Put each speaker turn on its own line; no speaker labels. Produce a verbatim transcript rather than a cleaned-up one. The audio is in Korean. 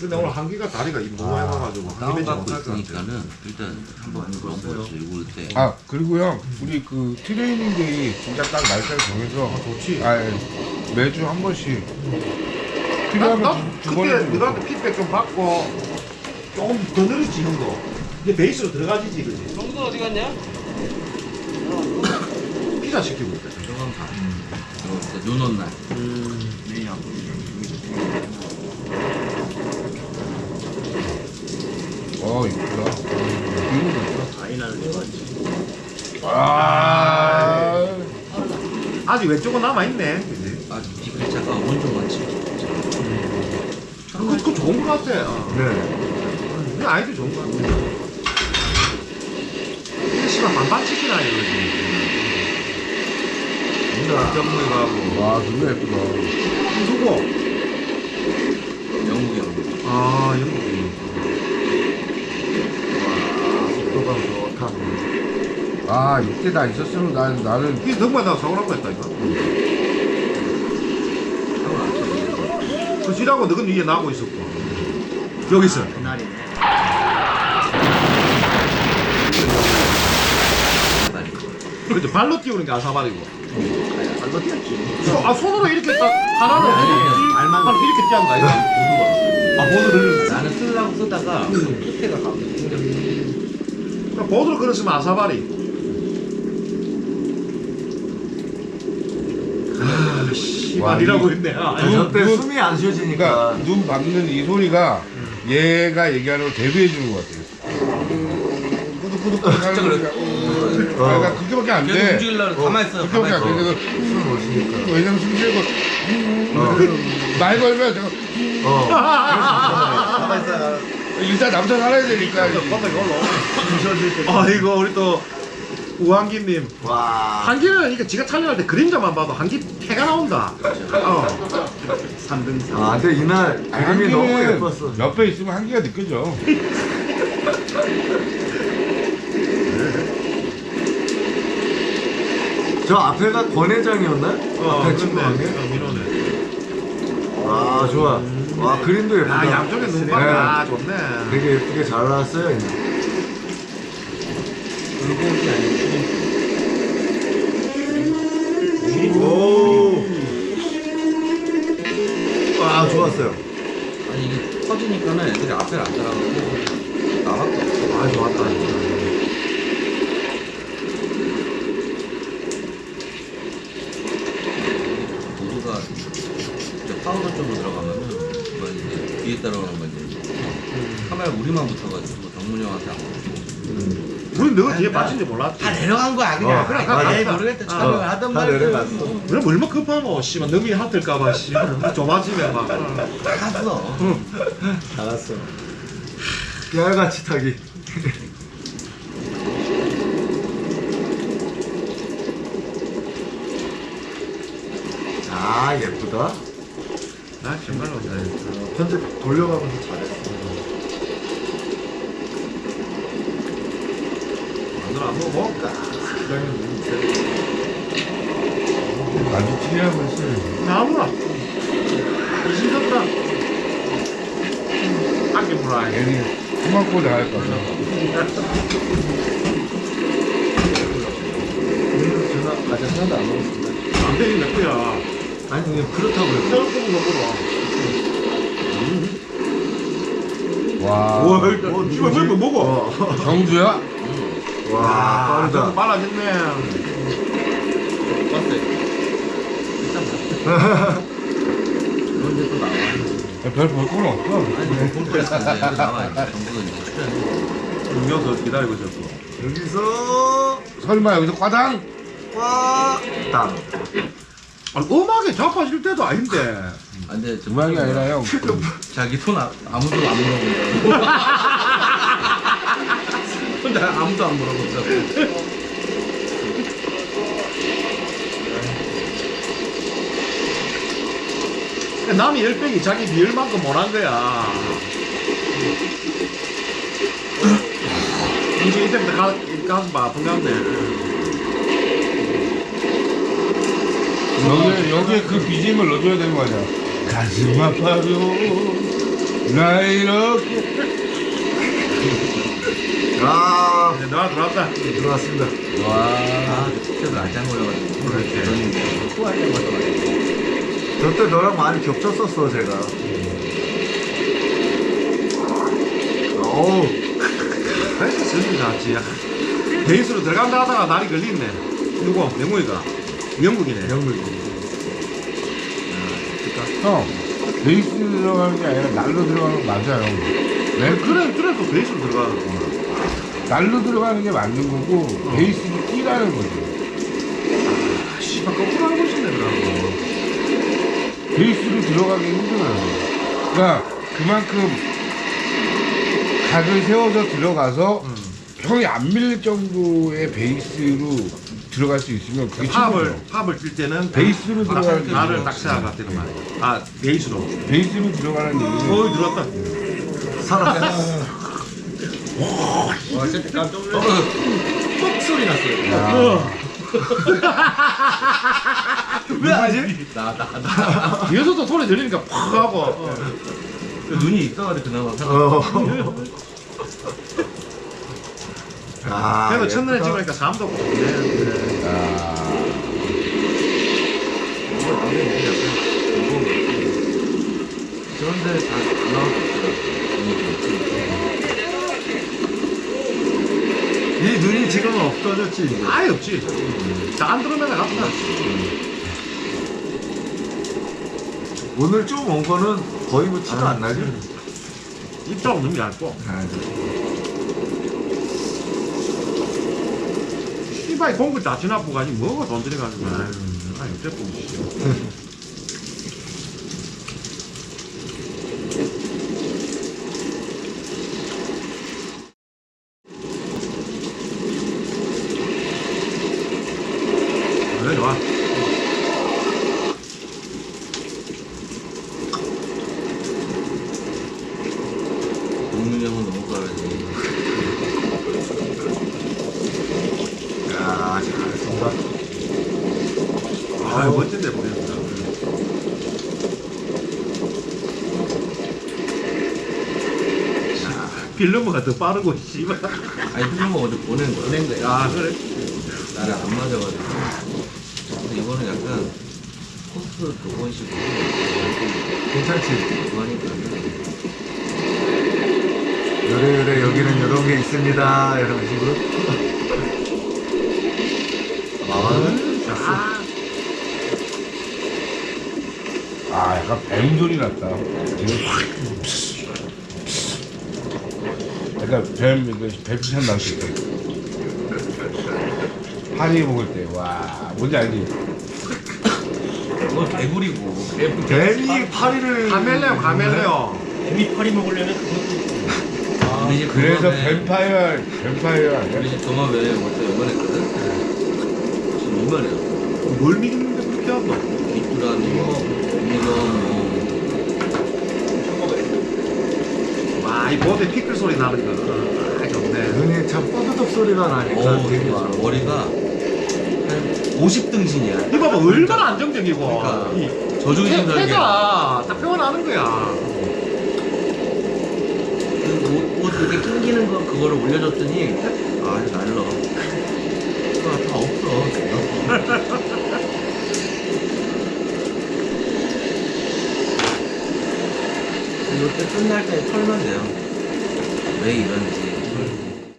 근데 오늘 한기가 다리가 너무 해봐가지고 한기 맺지
다운받고
못할 것 같아.
있으니까는 일단 한번 넘어보죠. 이거 때.
아 그리고 형 우리 그 트레이닝 데이 진짜 딱 날짜를 정해서
좋지.
아 예. 매주 한 번씩
나,
필요하면
나
두, 두
그때
번은
너한테 피드백 좀 받고 조금 더 늘었지 형도. 이제 베이스로 들어가지지 그지?
정도 어디 갔냐?
피자 시키고 있다.
조금 다. 음. 눈 온 날.
어 이쁘다. 이거 좋다.
아이나를 좋아하지.
아
아직 왼쪽은 남아있네. 그지?
아직 디플차가 온좀 많지.
그, 그거 좋은 것 같아. 어.
네.
그 아이도 좋은 것 같아. 이게 씨발 반반 치킨 아니거지. 진짜 정리 가고.
와 너무 예쁘다.
누구?
영국이 형.
아, 영국이. 와, 속도감 좋다.
아 이때 나 있었으면 난 나는
이게 정말 나 사고 난거 했다니까. 그 지라고 너는 위에 나고 있었고. 여기서.
그날이네.
그렇지, 발로 띄우는 게 아사발이고.
발로 뛰었지.
소, 아, 손으로 이렇게 딱 하나를
아니, 아니,
이렇게
알만
하나 이렇게 띄는 거 아니야? 보드가. 아, 보드를.
나는 쓰려고 쓰다가 끝에가 가고 생겼어.
보드로 걸었으면 아사발이. 아, 씨발이라고 했네. 아,
눈,
저때
눈,
숨이 안 쉬어지니까
그러니까 눈 밟는 이 소리가 얘가 얘기하는 걸 대비해 주는 것 같아요. 꾸덕꾸덕 하는 소리가 어. 아, 그러니까 그렇게밖에 안
계속
돼.
움직이려고 가만히 있어요.
그렇게밖에
가만히
안
있어.
돼. 그래서
숨을 못 쉬니까.
왜냐면 숨 쉬고
어.
말 걸면 제가
어.
가만 있어.
일단 남자 살아야 되니까
깜짝이 올라. 아, 이거 우리 또 우한기님.
와.
한기는 이게 지가 촬영할 때 그림자만 봐도 한기 패가 나온다. 어.
삼 등 삼.
아, 근데 이날 그림이 너무 예뻤어.
옆에 있으면 한기가 느껴져.
저 앞에가 권 회장이었나?
어,
앞에 친구한 게?
어, 민호네.
아, 좋아. 와, 그림도 예쁘다.
아, 양쪽에 눈밭.
네.
아, 좋네.
되게 예쁘게 잘 나왔어요. 이날.
물고기 아니고
오.
와, 좋았어요.
아니 이게 터지니까는 애들이 앞에 안 따라가고 나밖에 없어.
아, 좋았다.
모두가 이제 파우더 쪽으로 들어가면은 뭐 이제 뒤에 따라오는 건 이제 카메라 우리만 붙어가지고 정문이 형한테 안 붙고.
우리 너가 뒤에 빠진지 몰랐지.
다 내려간 거야 그냥.
어,
그래
맞아.
에이 모르겠다.
아,
촬영을 하던
다
말고.
내려갔어.
그럼 얼마 급하노? 씨발 너미 핫들까봐 씨발 좁아지면 막.
다 갔어.
알았어. 깨알같이 타기. 아, 예쁘다.
나 정말로
어, 편집 돌려가면서 잘했어.
마누라 안 먹어볼까?
아주 찔리라고 했어요.
나무라. 이신졌다. 안개 물어야
괜히 토막고 나갈까 봐.
오늘 전화 아직 하나도 안 먹었습니다.
안 되긴 몇 개야.
아니, 그냥 그렇다고요.
조금 먹어봐.
와.
와, 이거 왜 먹어?
정주야?
와,
아,
빠르다.
좀 빨라졌네.
봤어요. 일단 그런데 또 나와.
별볼 건 없어.
아니 볼 거야. 여기 나와. 정부는 이제 출연.
음료수 기다리고 있었어.
여기서
설마 여기서 과당?
와, 땅.
아니, 음악에 자빠질 때도 아닌데.
안돼
음악이 아니라 형.
자기 손 아, 아무도 안 물어본다고. 혼자 아무도 안 물어본다고.
남이 열병이 자기 미열만큼 못한 거야. 이제 이때부터 가, 가슴 아픈 건데.
여기에, 여기에 그 비지엠을 넣어줘야 되는 거 아니야. 가슴 아파요. 나 이렇게
아,
네, 나와 들어왔다.
들어왔습니다.
와, 진짜 날짱 걸려가지고. 그렇지. 또 할때 맞아가지고.
저때 너랑 많이 겹쳤었어, 제가. 어우,
베이스 쓰는 거 같지. 베이스로 들어간다 하다가 날이 걸리네. 누구? 명무이가. 영국이네.
영물.
형 베이스 들어가는 게 아니라 날로 들어가는 거 맞아요. 왜?
그래, 그래, 또 베이스로 들어가는 거.
날로 들어가는 게 맞는 거고 베이스를 끼라는 거지.
아, 씨발, 거꾸로 하고 싶네, 그러고.
베이스로 들어가기 힘들어요. 그러니까 그만큼 각을 세워서 들어가서 형이 안 밀릴 정도의 베이스로 들어갈 수 있으면 그게
팝을,
최고죠.
팝을 뛸 때는
베이스로
딱
들어가는 게
나를
있죠.
딱 생각하는 말이야. 아, 베이스로.
베이스로 들어가는 얘기는
어이, 들어왔다.
살았어.
와 진짜 깜짝 놀랐어. 뻑 소리 났어요.
야,
왜 하지?
나, 나, 나.
뒤에서도 소리 들리니까 팍 하고. 어.
눈이 있어가지고 그나마 살았어.
어. 아,
그래도 첫눈에
예쁘다.
찍으니까 사람도 없고. 네, 네.
아,
이거 남의 눈이 약간 무거운 거 같아. 그런데 다 나올 수 있더라고.
이 눈이 지금 없어졌지, 이제.
아예 없지. 다 안 들어오면 갔다.
오늘 좀 온 거는 거의 뭐 티도 안 나지?
입자고 너무 얇고.
아,
씨발, 공구 다 지나고 가지. 뭐가 돈 들여가지고. 아유, 아유, 어쨌든. 씨. 그래, 좋아.
동민이 형은 너무 잘하지.
야, 잘 쏜다.
아유, 멋진데 보냈다. 필름가 더 빠르고, 씨발.
아니, 필름을 어제 보낸 거야. 보낸 거야.
아, 그래?
나를 안 맞아가지고. 근데 이거는 약간 코스 그건 식으로
괜찮지?
하니까.
그래, 그래, 여기는 이런 게 있습니다. 이런 식으로. 아,
아, 약간 뱀 소리 났다. 약간 뱀, 이거 뱀피찬 나왔을 때. 파리 먹을 때, 와, 뭔지 알지?
그건 개구리고.
뱀이 파리를.
카멜레온, 카멜레온.
뱀이 파리 먹으려면 그것도
우리 집
그래서
동업에-
뱀파이어, 뱀파이어 아니야?
우리 집 종합에 벌써 요만했거든? 지금 이만해요.
뭘 믿는데 그렇게 한다?
귀뚜라미, 뭐, 문어, 뭐.
와, 이 보드에 피클 소리 나는 거. 아, 좋네.
눈이 참 뽀드덕 소리가 나니까
어우,
되게
되게
좋아.
머리가 한 오십 등신이야.
이 봐봐, 얼마나 안정적이고.
그러니까
이
저주기 좀 살게.
해가 딱 표현하는 거야.
그 옷, 옷 이렇게 낑기는 거 그거를 올려줬더니 아 이거 날라. 아, 다 없어. 이때 끝날 때 털면 돼요. 왜 이런지.